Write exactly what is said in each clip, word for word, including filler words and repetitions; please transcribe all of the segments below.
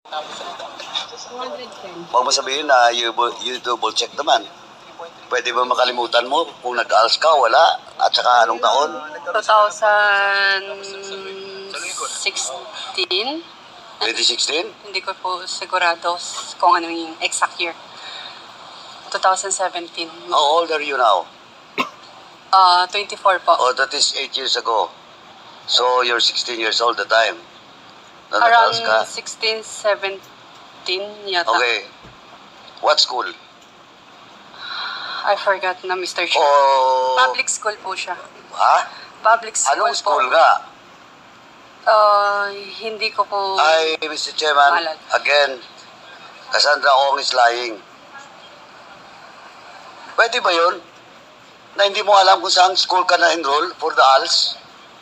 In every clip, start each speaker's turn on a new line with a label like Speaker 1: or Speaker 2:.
Speaker 1: Huwag mo sabihin na you, you double check naman. Pwede ba makalimutan mo kung nag-A L S ka, wala? At saka anong taon?
Speaker 2: twenty sixteen?
Speaker 1: twenty sixteen?
Speaker 2: Hindi ko po sigurado kung ano yung exact year. twenty seventeen.
Speaker 1: How old are you now?
Speaker 2: Uh, twenty-four po.
Speaker 1: Oh, that is eight years ago. So, you're sixteen years old the time. Na nag-A L S ka?
Speaker 2: Around sixteen, seventeen yata.
Speaker 1: Okay. What school?
Speaker 2: I forgot na, Mister Chair.
Speaker 1: Oh,
Speaker 2: Public school po siya.
Speaker 1: ha?
Speaker 2: Public school
Speaker 1: Anong
Speaker 2: po.
Speaker 1: school nga?
Speaker 2: Uh, hindi ko po...
Speaker 1: Ay, Mister Chairman,
Speaker 2: Maalala.
Speaker 1: again, Cassandra Ong is lying. Pwede ba yun? Na hindi mo alam kung saan school ka na-enroll for the A L S?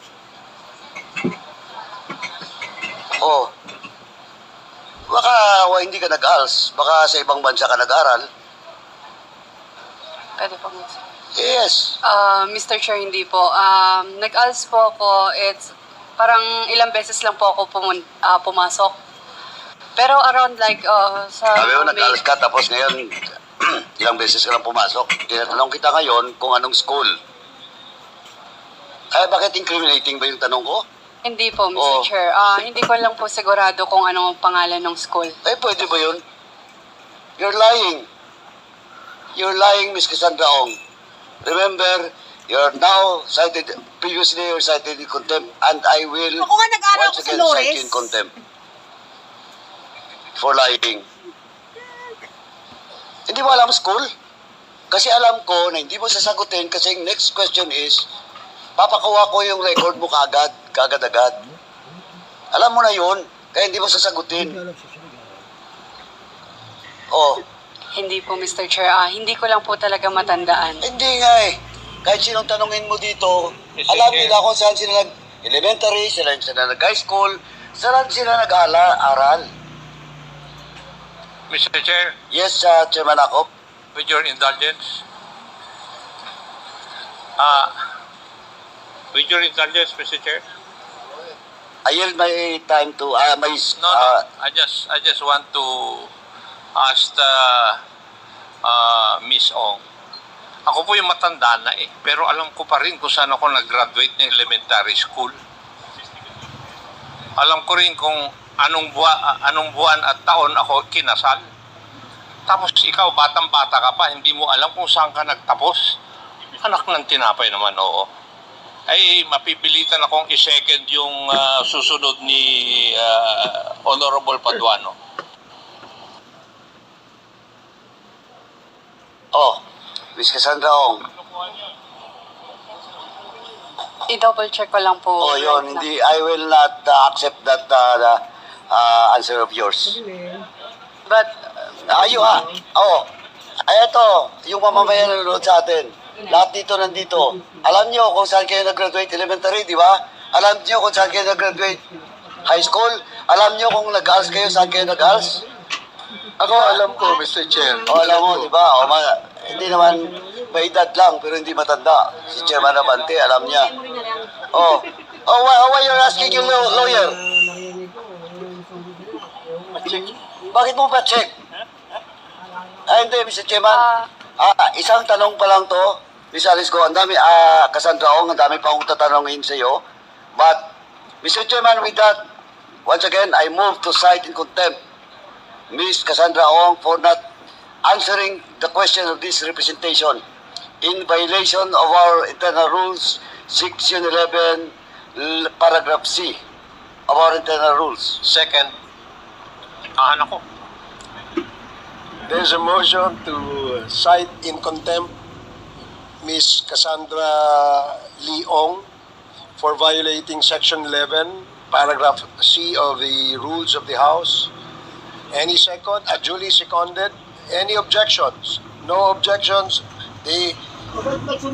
Speaker 1: Oh. Baka wa, hindi ka nag-A L S. Baka sa ibang bansa ka nag-aral.
Speaker 2: Pwede po.
Speaker 1: Yes.
Speaker 2: Uh, Mister Chair, hindi po. Um, nag-A L S po ako. It's parang ilang beses lang po ako pumun- uh, pumasok. Pero around like uh, sa...
Speaker 1: Sabi mo,
Speaker 2: May-
Speaker 1: nag-A L S ka, tapos ngayon, ilang beses ka lang pumasok. Tinatanong kita ngayon kung anong school. Ay, bakit incriminating ba yung tanong ko?
Speaker 2: Hindi po, Mister
Speaker 1: Oh.
Speaker 2: Chair. Ah, hindi ko lang po sigurado kung ano ang pangalan ng school.
Speaker 1: Eh, pwede ba yun? You're lying. You're lying, Miss Cassandra Ong. Remember, you're now cited, previously you're cited in contempt, and I will
Speaker 3: Ako nga nag-aaral
Speaker 1: once
Speaker 3: ako sa
Speaker 1: again
Speaker 3: Lores.
Speaker 1: cite you in contempt for lying. Hindi mo alam school? Kasi alam ko na hindi mo sasagutin kasi yung next question is, papakuha ko yung record mo kaagad, kaagad-agad. Alam mo na yun, kaya hindi mo sasagutin. Oh,
Speaker 2: Hindi po, Mister Chair. Ah, hindi ko lang po talaga matandaan.
Speaker 1: hindi nga eh. Kahit sinong tanungin mo dito, alam nila kung saan sila nag-elementary, sila sila nag-high school, saan sila nag-aral.
Speaker 4: Mister Chair,
Speaker 1: Yes, uh, Chairman Akop.
Speaker 4: with your indulgence, uh, with your indulgence, Mister Chair,
Speaker 1: I yield my time to, uh, my,
Speaker 4: no,
Speaker 1: uh,
Speaker 4: no, I just, I just want to ask the, uh, Miss Ong. Ako po yung matanda na eh, pero alam ko pa rin kung saan ako nag-graduate ng elementary school. Alam ko rin kung anong buwan, anong buwan at taon ako kinasal. Tapos ikaw, batang-bata ka pa, hindi mo alam kung saan ka nagtapos. Anak ng tinapay naman, oo. Ay, mapipilitan akong i-second yung uh, susunod ni uh, Honorable Paduano.
Speaker 1: oh, Miss Cassandra Ong.
Speaker 2: I-double check ko lang po.
Speaker 1: Oh, yun,
Speaker 2: right now.
Speaker 1: hindi, I will not uh, accept that uh, uh, answer of yours.
Speaker 2: But,
Speaker 1: Ayo ha. Oo. Ay, ito, yung mamamayan na nanonood sa atin. Lahat dito nandito. Alam nyo kung saan kayo nag-graduate elementary, di ba? Alam nyo kung saan kayo nag-graduate high school? Alam nyo kung nag-A L S kayo, saan kayo nag-A L S?
Speaker 5: Ako alam ko, Mister Chair.
Speaker 1: O, alam mo, di ba? O, ma- hindi naman, may edad lang, pero hindi matanda. Si Chairman Abante, alam niya. Oh, oh, why, why you're asking yung law- lawyer? Bakit mo pa check? Ah, hindi, Mister Chairman.
Speaker 2: ah,
Speaker 1: Ah, isang tanong pa lang to. Miss Alice ko, ang dami, ah, Cassandra Ong, ang dami pa akong tatanungin sa iyo. But, Mister Chairman, with that, once again, I move to cite in contempt Miss Cassandra Ong for not answering the question of this representation in violation of our internal rules, section eleven, l- paragraph C of our internal rules.
Speaker 4: Second, ahan ako.
Speaker 5: There's a motion to cite in contempt Miss Cassandra Leong for violating Section eleven, paragraph C of the rules of the House. Any second? Uh, duly seconded. Any objections? No objections. The